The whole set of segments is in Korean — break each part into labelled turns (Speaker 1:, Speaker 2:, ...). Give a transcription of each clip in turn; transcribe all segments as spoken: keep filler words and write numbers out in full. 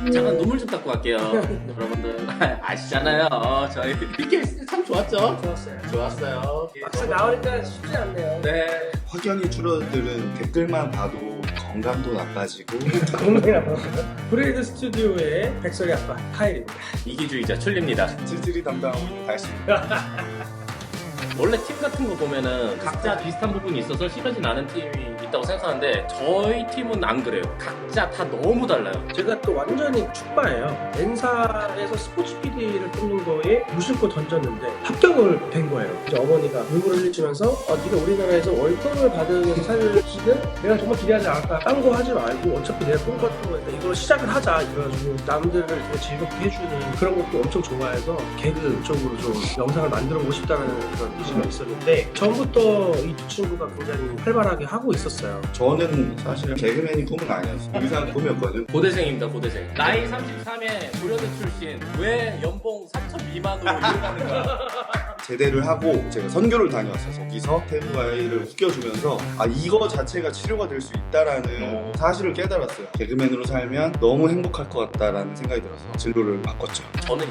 Speaker 1: 잠깐 눈물 좀 닦고 갈게요. 여러분들 아시잖아요. 저희 피케이스 참 좋았죠?
Speaker 2: 좋았어요.
Speaker 1: 좋았어요.
Speaker 2: 막상 나오니까 쉽지 않네요.
Speaker 1: 네.
Speaker 3: 확연히 줄어드는 댓글만 봐도 건강도 나빠지고
Speaker 2: 동네라고. 브레이드 스튜디오의 백설이 아빠 카일입니다.
Speaker 1: 이기주의자 출리입니다.
Speaker 3: 찌질이 담당하고 있는 달수.
Speaker 1: 원래 팀 같은 거 보면은 각자 비슷한 부분이 있어서 싫어진 않은 팀이 있다고 생각하는데 저희 팀은 안 그래요. 각자 다 너무 달라요.
Speaker 2: 제가 또 완전히 축바예요. 엔사에서 스포츠 피디를 뽑는 거에 무심코 던졌는데 합격을 된 거예요. 이제 어머니가 눈물을 흘리시면서 어, 네가 우리나라에서 월급을 받은 사실은 내가 정말 기대하지 않았다. 딴 거 하지 말고 어차피 내가 꿈꿨던 거니까 이걸 시작을 하자. 이래가지고 남들을 되게 즐겁게 해주는 그런 것도 엄청 좋아해서 개그 쪽으로 좀 영상을 만들어 보고 싶다는 그런 의지가 있었는데 처음부터 이 두 친구가 굉장히 활발하게 하고 있었어요.
Speaker 3: 저는 사실은 개그맨이 꿈은 아니었어요. 의상 꿈이었거든.
Speaker 1: 고대생입니다, 고대생. 나이 삼십삼에 고려대 출신. 왜 연봉 삼천 미만으로 일하는 거야?
Speaker 3: 제대를 하고 제가 선교를 다녀왔어요. 거기서 태무아이를 웃겨주면서 아 이거 자체가 치료가 될 수 있다라는 사실을 깨달았어요. 개그맨으로 살면 너무 행복할 것 같다라는 생각이 들어서 진로를 바꿨죠.
Speaker 1: 저는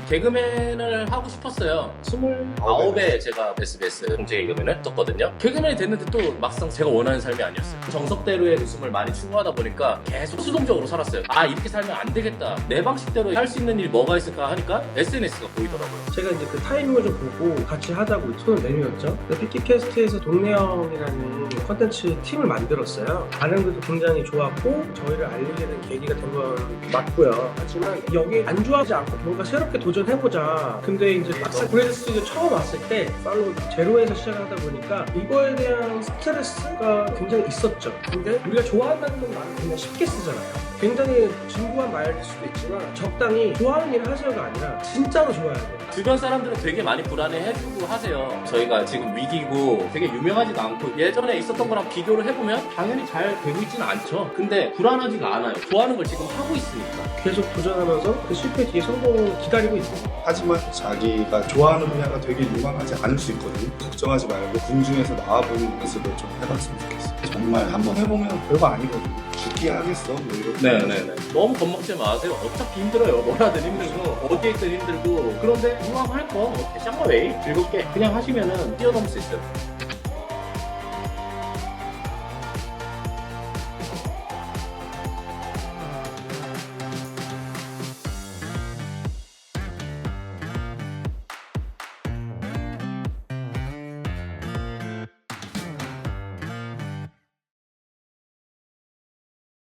Speaker 1: 개그맨을 하고 싶었어요. 스물아홉에 제가 에스비에스 공채 개그맨을 떴거든요. 개그맨이 됐는데 또 막상 제가 원하는 삶이 아니었어요. 정석대로의 웃음을 많이 추구하다 보니까 계속 수동적으로 살았어요. 아 이렇게 살면 안 되겠다. 내 방식대로 할 수 있는 일이 뭐가 있을까 하니까 에스엔에스가 보이더라고요.
Speaker 2: 제가 이제 그 타이밍을 좀 보고 같이 하자고 손을 내밀었죠. 피키캐스트에서 동네형이라는 컨텐츠 팀을 만들었어요. 반응도 굉장히 좋았고 저희를 알리게 된 계기가 된 건 맞고요. 하지만 여기 안 좋아하지 않고 뭔가 새롭게 도전해보자. 근데 이제 막상 브레이드 스튜디오 처음 왔을 때 팔로우 제로에서 시작하다 보니까 이거에 대한 스트레스가 굉장히 있었죠. 근데 우리가 좋아한다는 말은 그냥 쉽게 쓰잖아요. 굉장히 진부한 말일 수도 있지만 적당히 좋아하는 일을 하세요가 아니라 진짜로 좋아야 돼요.
Speaker 1: 주변 사람들은 되게 많이 불안해해주고 하세요. 저희가 지금 위기고 되게 유명하지도 않고 예전에 있었던 거랑 비교를 해보면 당연히 잘 되고 있지는 않죠. 근데 불안하지가 않아요. 좋아하는 걸 지금 하고 있으니까.
Speaker 2: 계속 도전하면서 그 실패 뒤에 성공을 기다리고 있습니다.
Speaker 3: 하지만 자기가 좋아하는 분야가 되게 유망하지 않을 수 있거든요. 걱정하지 말고 궁중에서 나와보는 연습을 좀 해봤으면 좋겠어요. 정말 한번 해보면 별거 아니거든요. 죽기 하겠어 뭐 이렇게.
Speaker 1: 네네네. 너무 겁먹지 마세요. 어차피 힘들어요. 뭐라든 힘들고 어디에 있든 힘들고. 그런데 이왕 할 거 샹마웨이 즐겁게 그냥 하시면은 뛰어넘을 수 있어요.